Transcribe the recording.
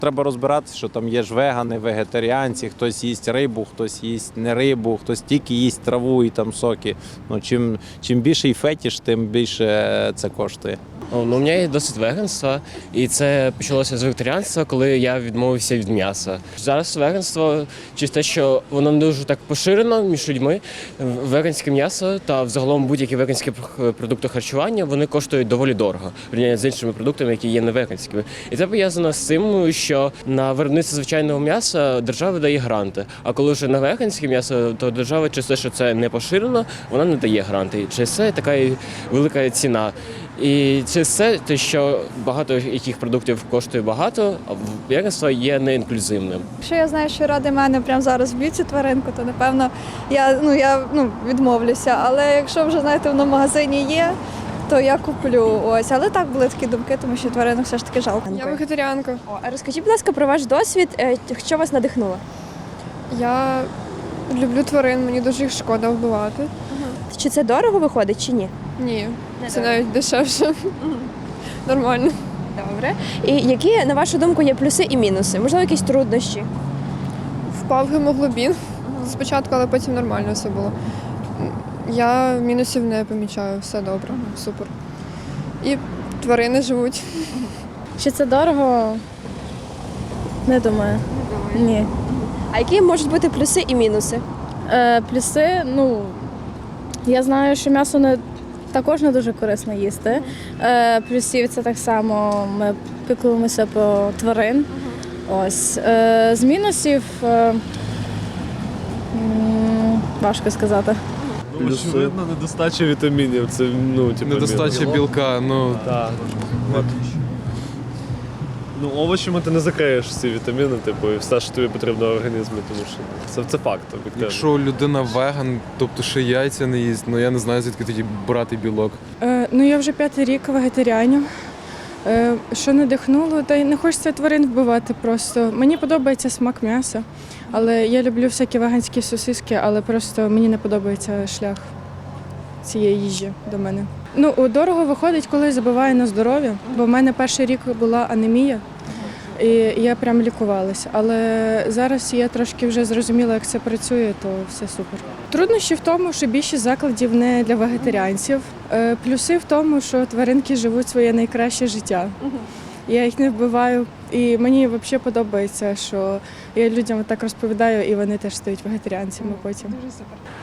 Треба розбиратися, що там є ж вегани, вегетаріанці, хтось їсть рибу, хтось їсть не рибу, хтось тільки їсть траву і там соки. Ну, чим більший фетіш, тим більше це коштує. У мене є досвід веганства, і це почалося з вегетаріанства, коли я відмовився від м'яса. Зараз веганство, через те, що воно не дуже так поширено між людьми, веганське м'ясо та взагалом будь-які веганські продукти харчування, вони коштують доволі дорого, порівняно з іншими продуктами, які є не веганськими. І це пов'язано з тим, що на виробництво звичайного м'яса держава дає гранти, а коли вже на веганське м'ясо, то держава через те, що це не поширено, вона не дає гранти. Через це така і велика ціна. І через це те, що багато яких продуктів коштує багато, а веганство є неінклюзивним. Якщо я знаю, що ради мене прямо зараз вб'ють цю тваринку, то напевно я відмовлюся. Але якщо вже знаєте, воно в магазині є, то я куплю. Ось, але так були такі думки, тому що тваринок все ж таки жалко. Я вегетаріанка. А розкажіть, будь ласка, про ваш досвід, що вас надихнуло? Я люблю тварин, мені дуже їх шкода вбивати. Чи це дорого виходить, чи ні? Ні, це навіть дешевше. Нормально. Добре. І які, на вашу думку, є плюси і мінуси? Можливо, якісь труднощі? Впав гемоглобін спочатку, але потім нормально все було. Я мінусів не помічаю, все добре, супер. І тварини живуть. Чи це дорого? Не думаю. Ні. А які можуть бути плюси і мінуси? Плюси, я знаю, що м'ясо також не дуже корисно їсти. Плюсів це так само, ми піклуємося про тварин. Ось. З мінусів важко сказати. Очевидно, недостача вітамінів. Це, недостача білка, Так. Овочами ти не закриєш всі вітаміни, і все, що тобі потрібно в організмі, тому що це факт. Об'єктивно. Якщо людина веган, тобто ще яйця не їсть, я не знаю, звідки тоді брати білок. Я вже 5-й рік вегетаріаню. Що надихнуло, та й не хочеться тварин вбивати просто. Мені подобається смак м'яса, але я люблю всякі веганські сосиски, але просто мені не подобається шлях цієї їжі до мене. Дорого виходить, коли забиваю на здоров'я, бо в мене перший рік була анемія, і я прям лікувалася. Але зараз я трошки вже зрозуміла, як це працює, то все супер. Труднощі в тому, що більшість закладів не для вегетаріанців. Плюси в тому, що тваринки живуть своє найкраще життя. Я їх не вбиваю, і мені взагалі подобається, що я людям так розповідаю, і вони теж стають вегетаріанцями потім. Дуже супер.